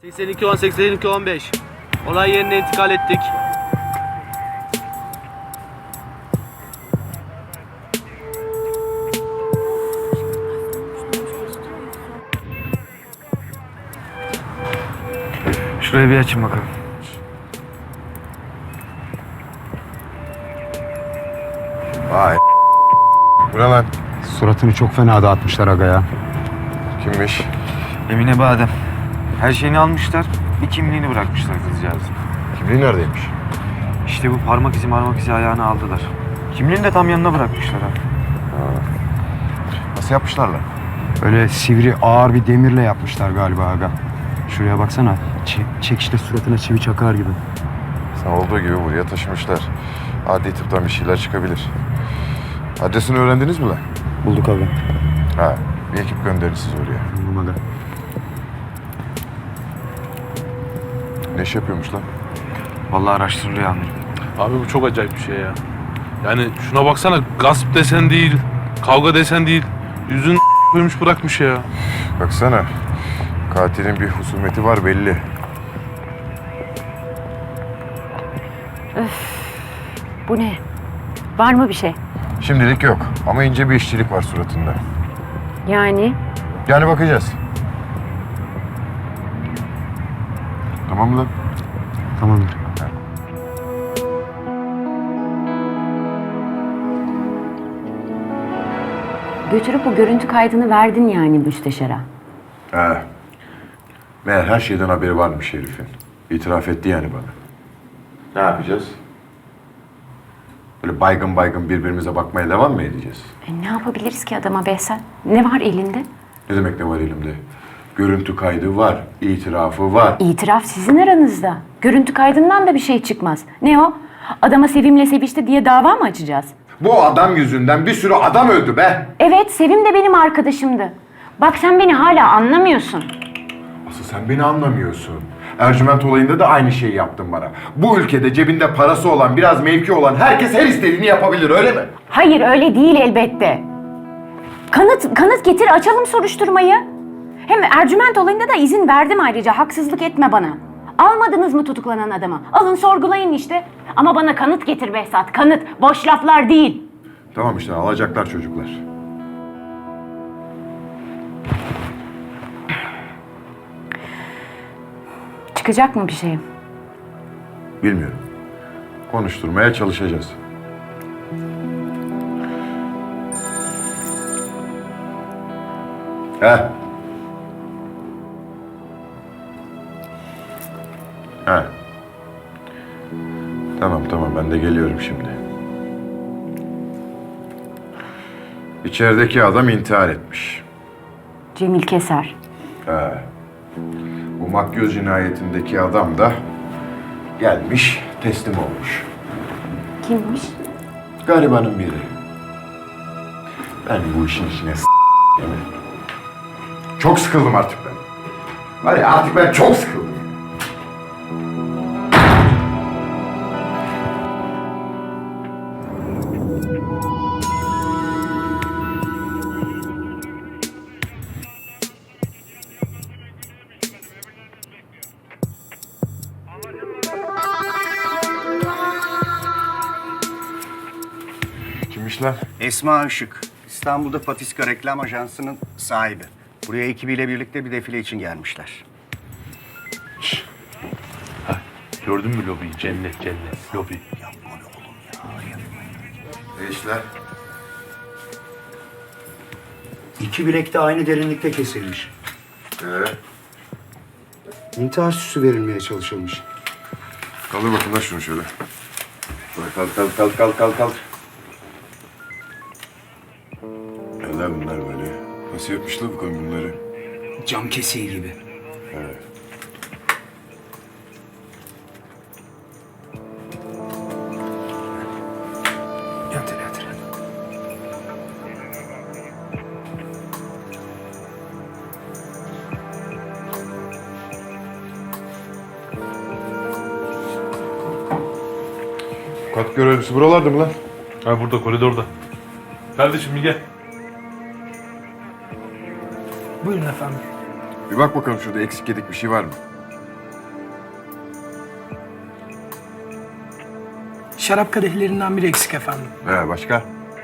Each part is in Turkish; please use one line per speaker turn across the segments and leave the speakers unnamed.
82-10, 82-15. Olay yerine intikal ettik.
Şurayı bir açın bakalım.
Vay. Bu ne lan?
Suratını çok fena dağıtmışlar aga ya.
Kimmiş?
Emine Badem. Her şeyini almışlar, bir kimliğini bırakmışlar kızcağızın.
Kimliği neredeymiş?
İşte bu parmak izi ayağını aldılar. Kimliğini de tam yanına bırakmışlar ha.
Nasıl yapmışlar lan?
Öyle sivri ağır bir demirle yapmışlar galiba aga. Şuraya baksana. Çekişte suratına çivi çakar gibi.
Sen olduğu gibi buraya taşımışlar. Adli tıptan bir şeyler çıkabilir. Adresini öğrendiniz mi lan?
Bulduk aga.
Ha, bir ekip gönderin siz oraya.
Buldum aga.
Ne iş yapıyormuş lan?
Vallahi araştırılıyor amirim.
Abi bu çok acayip bir şey ya. Yani şuna baksana, gasp desen değil, kavga desen değil. Yüzün koymuş bırakmış ya.
Baksana. Katilin bir husumeti var belli.
Bu ne? Var mı bir şey?
Şimdilik yok ama ince bir işçilik var suratında.
Yani
Yani bakacağız. Tamam mı lan?
Tamamdır.
götürüp bu görüntü kaydını verdin yani müsteşara.
He. Meğer her şeyden haberi varmış herifin. İtiraf etti yani bana. Ne yapacağız? Böyle baygın baygın birbirimize bakmaya devam mı edeceğiz?
Ne yapabiliriz ki adama Behzat? Ne var elinde?
Ne demek ne var elimde? Görüntü kaydı var, itirafı var.
İtiraf sizin aranızda. Görüntü kaydından da bir şey çıkmaz. Ne o? Adama Sevim'le sevişti diye dava mı açacağız?
Bu adam yüzünden bir sürü adam öldü be!
Evet, Sevim de benim arkadaşımdı. Bak sen beni hala anlamıyorsun.
Asıl sen beni anlamıyorsun. Ercüment olayında da aynı şeyi yaptın bana. Bu ülkede cebinde parası olan, biraz mevki olan herkes her istediğini yapabilir, öyle mi?
Hayır, öyle değil elbette. Kanıt getir, açalım soruşturmayı. Hem Ercüment olayında da izin verdim ayrıca, haksızlık etme bana. Almadınız mı tutuklanan adamı? Alın sorgulayın işte. Ama bana kanıt getir Behzat, kanıt. Boş laflar değil.
Tamam işte, alacaklar çocuklar.
Çıkacak mı bir şey?
Bilmiyorum. Konuşturmaya çalışacağız. He. He. Tamam ben de geliyorum şimdi. İçerideki adam intihar etmiş.
Cemil Keser.
He. Bu makyöz cinayetindeki adam da gelmiş, teslim olmuş.
Kimmiş?
Garibanın biri. Ben bu işin içine değil mi? Çok sıkıldım artık ben. Var ya, artık ben çok sıkıldım. Kimmiş lan?
Esma Işık, İstanbul'da Patiska Reklam Ajansı'nın sahibi. Buraya ekibiyle birlikte bir defile için gelmişler.
Gördün mü lobiyi? Cennet, lobi.
Ne işler?
İki bilek de aynı derinlikte kesilmiş.
İntihar süsü verilmeye çalışılmış.
Kaldır bakayım lan şunu şöyle. Kalk. Neler bunlar böyle? Nasıl yapmışlar bu kadın bunları?
Cam kesiği gibi. Yatır.
Kat görevlisi buralarda mı lan?
Ha burada, koridorda. Kardeşim bir gel.
Buyurun efendim.
Bir bak bakalım şurada eksik yedik bir şey var mı?
Şarap kadehlerinden biri eksik efendim.
Başka?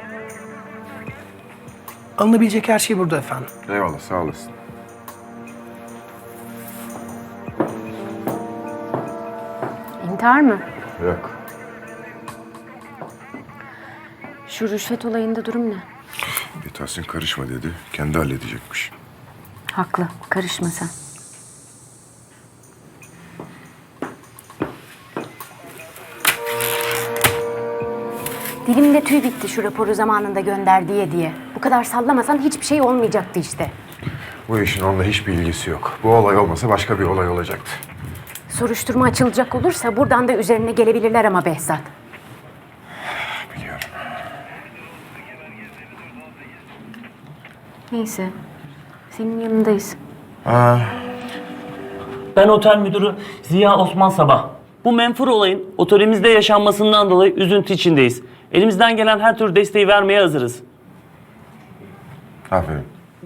Alınabilecek her şey burada efendim.
Eyvallah, sağ olasın.
İntihar mı?
Yok.
Şu rüşvet olayında durum ne?
Tahsin karışma dedi. Kendi halledecekmiş.
Haklı. Karışma sen. Dilimde tüy bitti şu raporu zamanında gönder diye. Bu kadar sallamasan hiçbir şey olmayacaktı işte.
Bu işin onunla hiçbir ilgisi yok. Bu olay olmasa başka bir olay olacaktı.
Soruşturma açılacak olursa buradan da üzerine gelebilirler ama Behzat.
Biliyorum.
Neyse. Senin yanındayız.
Ben otel müdürü Ziya Osman Sabah. Bu menfur olayın otelimizde yaşanmasından dolayı üzüntü içindeyiz. Elimizden gelen her tür desteği vermeye hazırız.
Aferin.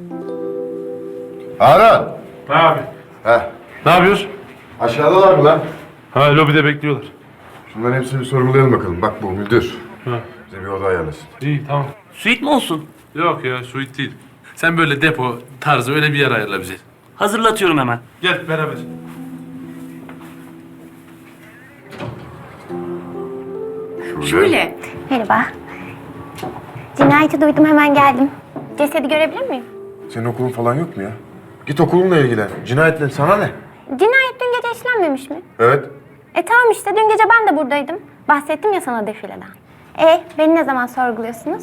Harun!
Ne abi?
Heh.
Ne yapıyoruz?
Aşağıdalar mı lan?
Ha, lobide bekliyorlar.
Şunların hepsini bir sorgulayalım bakalım. Bak bu müdür.
Ha.
Bize bir oda ayarlasın.
İyi, tamam.
Suite mi olsun?
Yok ya, suite değil. Sen böyle depo tarzı öyle bir yer ayarla bize.
Hazırlatıyorum hemen.
Gel beraber.
Şöyle.
Merhaba. Cinayeti duydum, hemen geldim. Cesedi görebilir miyim?
Senin okulun falan yok mu ya? Git okulunla ilgilen. Cinayetle sana ne?
Cinayet dün gece işlenmemiş mi?
Evet.
Tamam işte, dün gece ben de buradaydım. Bahsettim ya sana defileden. Beni ne zaman sorguluyorsunuz?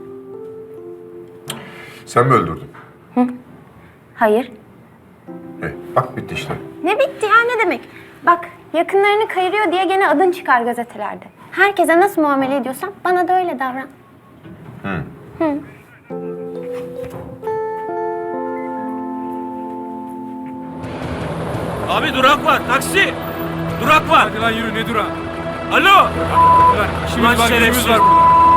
Sen mi öldürdün?
Hayır.
Bak bitti işte.
Ne bitti ya, ne demek? Bak, yakınlarını kayırıyor diye gene adın çıkar gazetelerde. Herkese nasıl muamele ediyorsan bana da öyle davran.
Abi durak var. Taksi. Durak var.
Hadi lan yürü, ne durağı?
Alo.
İşimiz var, gücümüz var.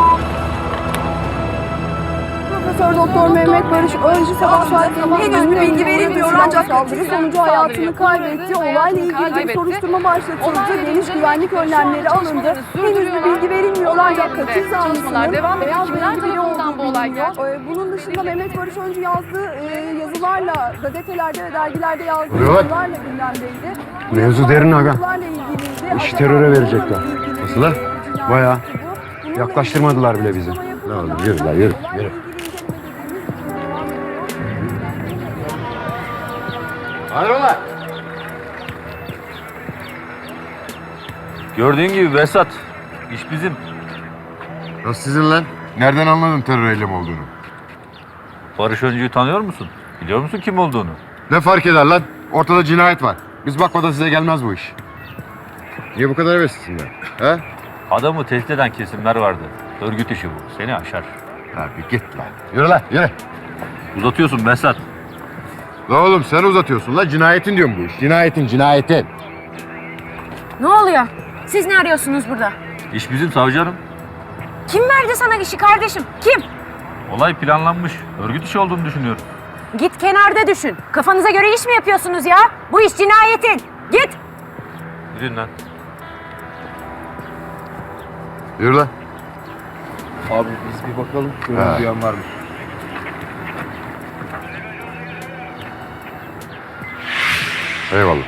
Profesör Doktor Mehmet Barış Öncü sabah saatlerinde henüz bir bilgi verilmiyor ancak saldırı sonucu hayatını kaybetti. Olayla ilgili bir soruşturma başlatıldı. Geniş güvenlik önlemleri alındı. Henüz bir bilgi verilmiyor ancak katil zanlısının beyaz renkli biri olduğu biliniyor. Bunun dışında Mehmet Barış Öncü yazdığı yazılarla gazetelerde ve dergilerde yazdığı yazılarla gündemdeydi.
Mevzu derin aga.
Yazılarla ilgiliydi.
İş teröre verecekler.
Nasıl lan?
Bayağı. Yaklaştırmadılar bile bizi.
Ne oldu? Yürü lan yürü. Yürü. Hayrola?
Gördüğün gibi Behzat, iş bizim.
Nasıl sizin lan? Nereden anladın terör eylemi olduğunu?
Barış Öncü'yü tanıyor musun? Biliyor musun kim olduğunu?
Ne fark eder lan? Ortada cinayet var. Biz bakmadan size gelmez bu iş. Niye bu kadar heveslisin lan? He?
Adamı tehdit eden kesimler vardı. Örgüt işi bu. Seni aşar.
Abi git lan. Yürü lan yürü.
Uzatıyorsun Behzat.
La oğlum sen uzatıyorsun la. Cinayetin diyorum bu iş. Cinayetin.
Ne oluyor? Siz ne arıyorsunuz burada?
İş bizim savcı hanım.
Kim verdi sana işi kardeşim? Kim?
Olay planlanmış. Örgüt işi olduğunu düşünüyorum.
Git kenarda düşün. Kafanıza göre iş mi yapıyorsunuz ya? Bu iş cinayetin. Git.
Gidin lan.
Yürü lan.
Abi biz bir bakalım. Gören duyan var mı?
Eyvallah.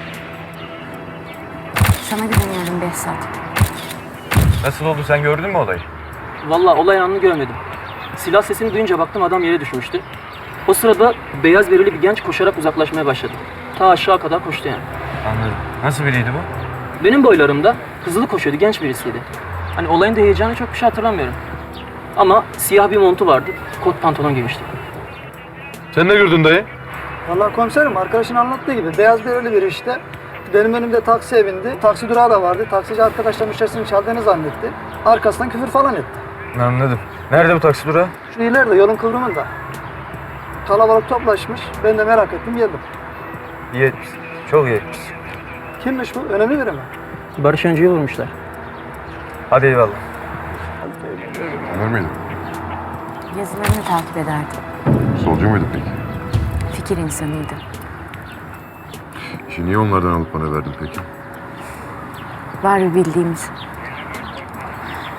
Sana güveniyorum Behzat.
Nasıl oldu, sen gördün mü olayı?
Vallahi olay anını görmedim. Silah sesini duyunca baktım adam yere düşmüştü. O sırada beyaz bereli bir genç koşarak uzaklaşmaya başladı. Ta aşağı kadar koştu yani.
Anladım. Nasıl biriydi bu?
Benim boylarımda hızlı koşuyordu, genç birisiydi. Hani olayın da heyecanı çok bir şey hatırlamıyorum. Ama siyah bir montu vardı, kot pantolon giymişti.
Sen ne gördün dayı?
Vallahi komiserim, arkadaşın anlattığı gibi beyaz bereli biri işte. Benim önümde taksiye bindi. Taksi durağı da vardı. Taksici arkadaşlar müşterisinin çaldığını zannetti. Arkasından küfür falan etti.
Anladım. Nerede bu taksi durağı?
Şu ileride, yolun kıvrımında. Kalabalık toplaşmış. Ben de merak ettim, geldim.
İyi etmişsin. Çok iyi etmişsin.
Kimmiş bu? Önemli biri mi?
Barış Öncü'yü vurmuşlar.
Hadi eyvallah.
Ömer miydi?
Yazılarını takip ederdim.
Solcu muydu peki?
Fikir insanıydı.
İşi niye onlardan alıp bana verdin peki?
Var bir bildiğimiz.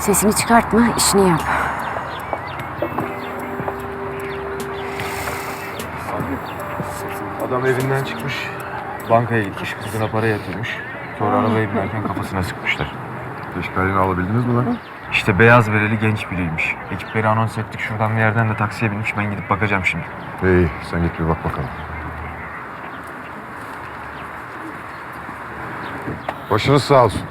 Sesini çıkartma, işini yap.
Adam evinden çıkmış. Bankaya gitmiş, kızına para yatırmış. Sonra arabaya binerken kafasına sıkmışlar.
İşgalini alabildiniz mi lan?
İşte beyaz bereli genç biriymiş. Ekipleri anons ettik. Şuradan bir yerden de taksiye binmiş. Ben gidip bakacağım şimdi.
İyi, sen git bir bak bakalım. Başınız sağ olsun.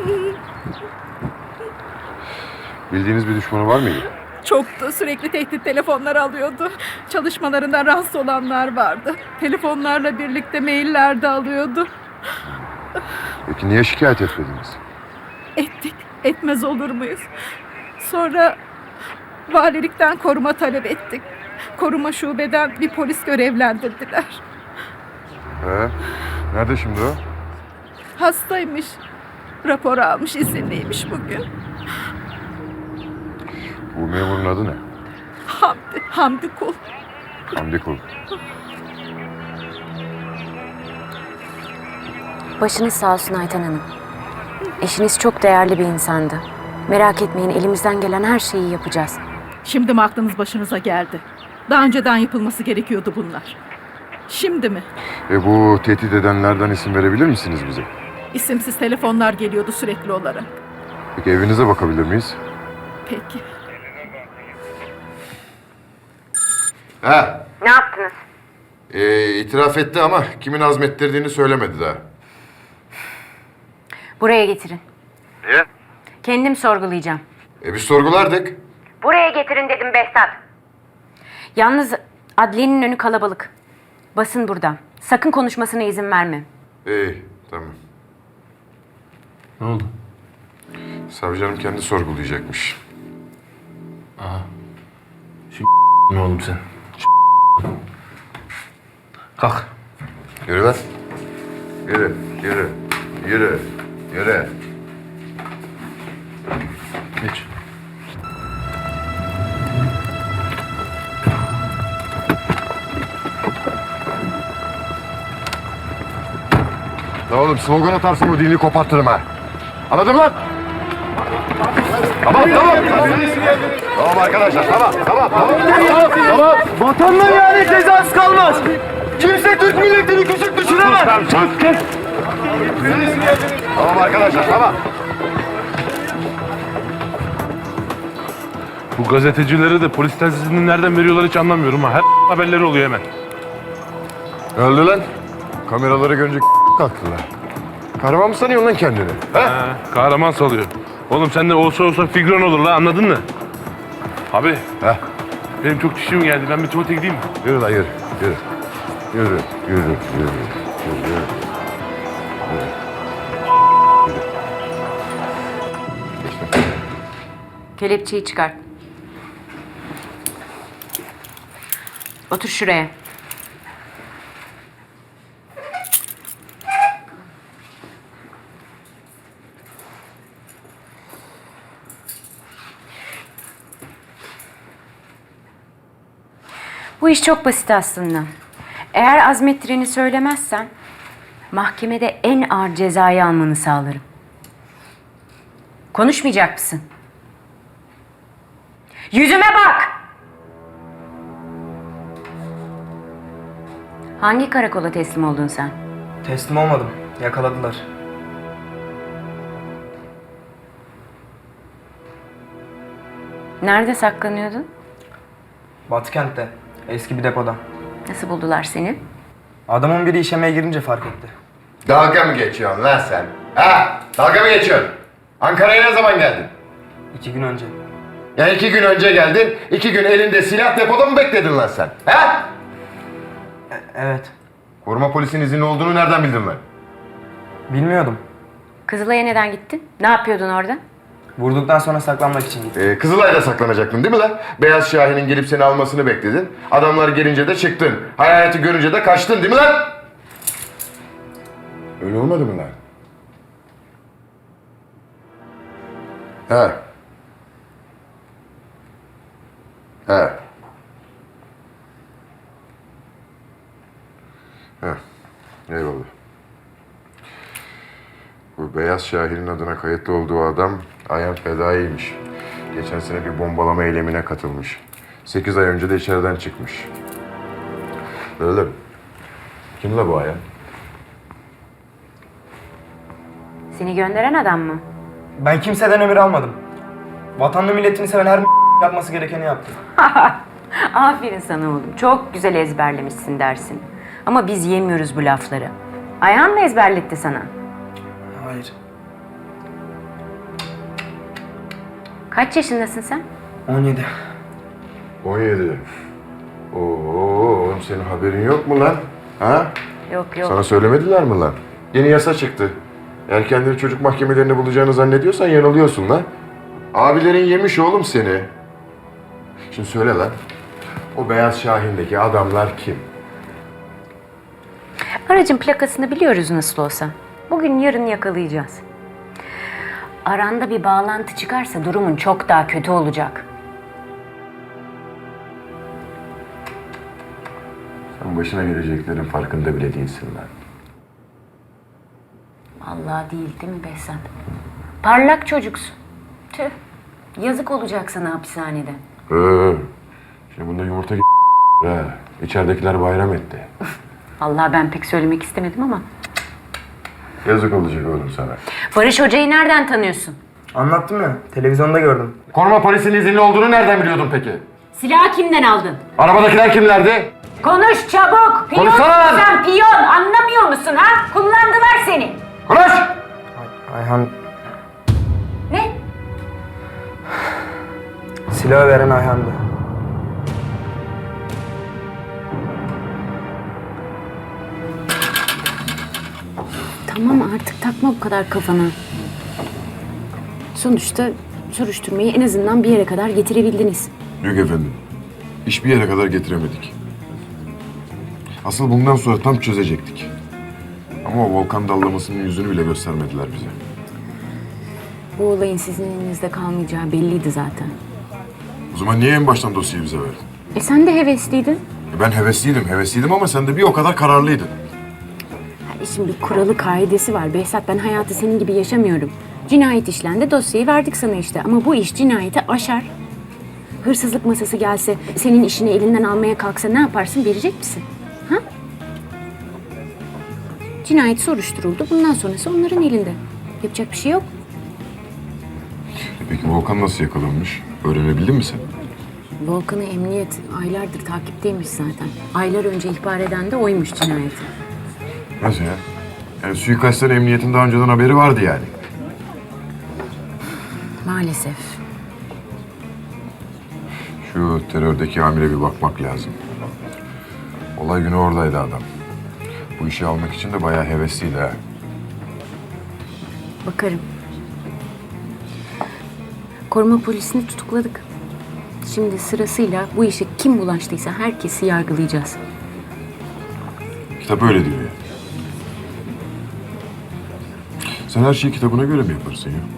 Bildiğiniz bir düşmanı var mıydı?
Çoktu. Sürekli tehdit telefonlar alıyordu. Çalışmalarından rahatsız olanlar vardı. Telefonlarla birlikte mailler de alıyordu.
Peki niye şikayet etmediniz?
Ettik. Etmez olur muyuz? Sonra valilikten koruma talep ettik. Koruma şubeden bir polis görevlendirdiler.
Nerede şimdi o?
Hastaymış. Rapor almış, izinliymiş bugün.
Bu memurun adı ne?
Hamdi Kul.
Hamdi Kul.
Başınız sağ olsun Ayten Hanım. Eşiniz çok değerli bir insandı. Merak etmeyin, elimizden gelen her şeyi yapacağız.
Şimdi mi aklınız başınıza geldi? Daha önceden yapılması gerekiyordu bunlar. Şimdi mi?
Bu tehdit edenlerden isim verebilir misiniz bize?
İsimsiz telefonlar geliyordu sürekli olarak.
Peki evinize bakabilir miyiz?
Peki.
Ne yaptınız?
İtiraf etti ama kimin azmettirdiğini söylemedi daha.
Buraya getirin.
Niye?
Kendim sorgulayacağım.
Biz sorgulardık.
Buraya getirin dedim Behzat. Yalnız adliyenin önü kalabalık. Basın burada. Sakın konuşmasına izin verme.
İyi, tamam.
Ne oldu?
Savcı hanım kendi sorgulayacakmış.
Ne oğlum sen? Kalk.
Yürü lan. Yürü, yürü, yürü, yürü.
Geç.
Ne oğlum slogan atarsın bu dilini kopartırım ha. Anladın mı lan? Tamam, tamam. Tamam arkadaşlar, tamam.
Vatanla yani cezası kalmaz. Kimse Türk milletini küçük düşüremez.
Tamam arkadaşlar, tamam.
Bu gazetecilere de polis telsizini nereden veriyorlar hiç anlamıyorum ha. Her haberleri oluyor hemen.
Öldü lan. Kameraları görünce kalktılar. Kahraman mı sanıyorsun lan kendini?
Kahraman salıyor. Oğlum sen de olsa figüran olur la, anladın mı? Abi. Benim çok dişim geldi. Ben bir tuvalete gideyim mi?
Yürü lan yürü. Yürü.
Kelepçeyi çıkart. Otur şuraya. Bu iş çok basit aslında. Eğer azmettireni söylemezsen mahkemede en ağır cezayı almanı sağlarım. Konuşmayacak mısın? Yüzüme bak! Hangi karakola teslim oldun sen?
Teslim olmadım. Yakaladılar.
Nerede saklanıyordun?
Batıkent'te. Eski bir depoda.
Nasıl buldular seni?
Adamın biri işemeye girince fark etti.
Dalga mı geçiyorsun lan sen? Dalga mı geçiyorsun? Ankara'ya ne zaman geldin?
2 gün önce.
Ya 2 gün önce geldin, 2 gün elinde silah depoda mı bekledin lan sen?
Evet.
Koruma polisinin izinli olduğunu nereden bildin lan?
Bilmiyordum.
Kızılay'a neden gittin? Ne yapıyordun orada?
Vurduktan sonra saklanmak için gittim.
Kızılay'da saklanacaktın değil mi lan? Beyaz Şahin'in gelip seni almasını bekledin. Adamlar gelince de çıktın. Hayaleti görünce de kaçtın değil mi lan? Öyle olmadı mı lan? Eyvallah. Bu Beyaz Şahin'in adına kayıtlı olduğu adam Ayhan Fedai'ymiş. Geçen sene bir bombalama eylemine katılmış. 8 ay önce de içeriden çıkmış. Öyle mi? Kim la bu Ayhan?
Seni gönderen adam mı?
Ben kimseden emir almadım. Vatanını milletini seven her yapması gerekeni yaptı.
Aferin sana oğlum. Çok güzel ezberlemişsin dersin. Ama biz yemiyoruz bu lafları. Ayhan mı ezberletti sana?
Hayır.
Kaç yaşındasın sen?
17.
17. Oo, oğlum senin haberin yok mu lan? Ha?
Yok yok.
Sana söylemediler mi lan? Yeni yasa çıktı. Eğer kendini çocuk mahkemelerinde bulacağını zannediyorsan yanılıyorsun lan. Abilerin yemiş oğlum seni. Şimdi söyle lan. O Beyaz Şahin'deki adamlar kim?
Aracın plakasını biliyoruz nasıl olsa. Bugün yarın yakalayacağız. Aranda bir bağlantı çıkarsa durumun çok daha kötü olacak.
Sen başına geleceklerin farkında bile değilsin lan.
Allah değil mi Behzat? Parlak çocuksun. Tüh. Yazık olacak sana hapishanede.
Şimdi bunda yumurta ha. İçeridekiler bayram etti.
Allah ben pek söylemek istemedim ama.
Yazık olacak oğlum sana.
Barış Hoca'yı nereden tanıyorsun?
Anlattım ya. Televizyonda gördüm.
Koruma polisinin izinli olduğunu nereden biliyordun peki?
Silahı kimden aldın?
Arabadakiler kimlerdi?
Konuş çabuk! Piyon
Konuşsana lan!
sen piyon! Anlamıyor musun ha? Kullandılar seni.
Konuş!
Ayhan,
Ne?
silahı veren Ayhan'dı.
Tamam artık takma bu kadar kafana. Sonuçta soruşturmayı en azından bir yere kadar getirebildiniz.
Yok efendim. Hiçbir yere kadar getiremedik. Asıl bundan sonra tam çözecektik. Ama o volkan dallamasının yüzünü bile göstermediler bize.
Bu olayın sizin elinizde kalmayacağı belliydi zaten.
O zaman niye en baştan dosyayı bize verdin?
Sen de hevesliydin.
Ben hevesliydim ama sen de bir o kadar kararlıydın.
Şimdi bir kuralı kaidesi var. Behzat ben hayatı senin gibi yaşamıyorum. Cinayet işlendi, dosyayı verdik sana işte. Ama bu iş cinayeti aşar. Hırsızlık masası gelse, senin işini elinden almaya kalksa ne yaparsın? Verecek misin? Ha? Cinayet soruşturuldu. Bundan sonrası onların elinde. Yapacak bir şey yok.
Peki Volkan nasıl yakalanmış? Öğrenebildin mi sen?
Volkan'ı emniyet aylardır takipteymiş zaten. Aylar önce ihbar eden de oymuş cinayeti.
Nasıl ya? Yani suikastten emniyetin daha önceden haberi vardı yani.
Maalesef.
Şu terördeki amire bir bakmak lazım. Olay günü oradaydı adam. Bu işi almak için de bayağı hevesliydi ha.
Bakarım. Koruma polisini tutukladık. Şimdi sırasıyla bu işe kim bulaştıysa herkesi yargılayacağız.
Kitap öyle diyor ya. Sen her şeyi kitabına göre mi yaparsın ya?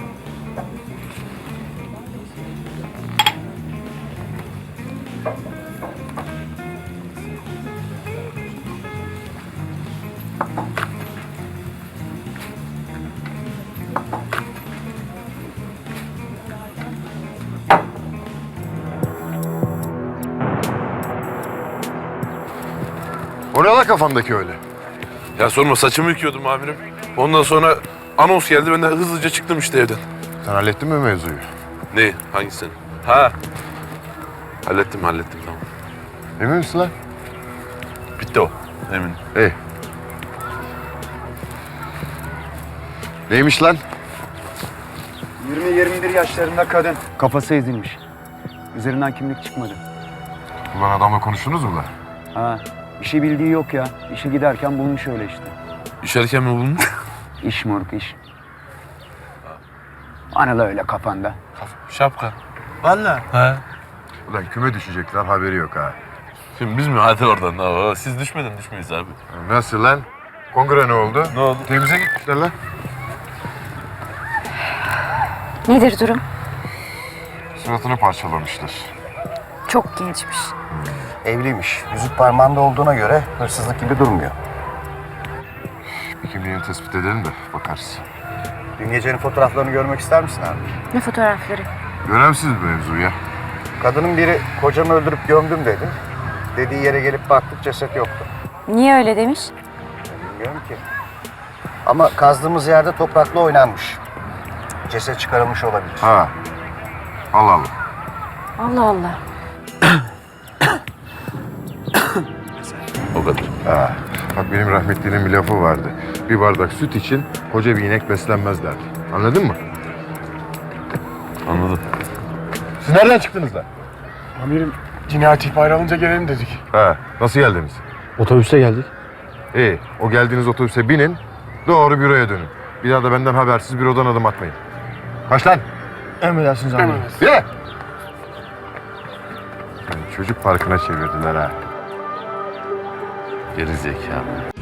O ne la kafandaki öyle?
Ya sorma, saçımı yıkıyordum amirim. Ondan sonra anons geldi, ben de hızlıca çıktım işte evden.
Sen hallettin mi mevzuyu?
Ne? Hangisini? Ha. Hallettim tamam.
Emin misin lan?
Bitti o. Eminim.
İyi. Neymiş lan?
20-21 yaşlarında kadın. Kafası ezilmiş. Üzerinden kimlik çıkmadı.
Ulan adamla konuştunuz mu lan?
Ha, bir şey bildiği yok ya. İşe giderken bulmuş öyle işte.
İşerken mi bulmuş?
İş moruk iş. Bana da öyle kafanda.
Şapka.
Vallahi.
He.
Ulan küme düşecekler haberi yok ha.
Şimdi biz mi? Hadi oradan. Aa, siz düşmeden düşmeyiz abi.
Nasıl lan? Kongre ne oldu?
Ne oldu?
Temize gitmişler lan.
Nedir durum?
Suratını parçalamışlar.
Çok gençmiş.
Evliymiş. Yüzük parmağında olduğuna göre hırsızlık gibi durmuyor.
Peki kimliğini tespit edelim de bakarız.
Dün gecenin fotoğraflarını görmek ister misin abi?
Ne fotoğrafları?
Önemsiz bir mevzu ya.
Kadının biri kocamı öldürüp gömdüm dedi. Dediği yere gelip baktık ceset yoktu.
Niye öyle demiş?
Bilmiyorum ki. Ama kazdığımız yerde toprakla oynanmış. Ceset çıkarılmış olabilir.
Ha. Allah Allah.
Allah Allah.
O kadar.
Ha. Bak benim rahmetlinin bir lafı vardı. Bir bardak süt için koca bir inek beslenmez derdi. Anladın mı?
Anladım.
Siz nereden çıktınız lan?
Amirim cinayet ihbarı alınca gelelim dedik.
Ha. Nasıl geldiniz?
Otobüste geldik.
İyi. O geldiğiniz otobüse binin. Doğru büroya dönün. Bir daha da benden habersiz bürodan adım atmayın. Kaç lan?
Emredersiniz amirim.
Yürü! Çocuk parkına çevirdiler ha.
Geri zekalı.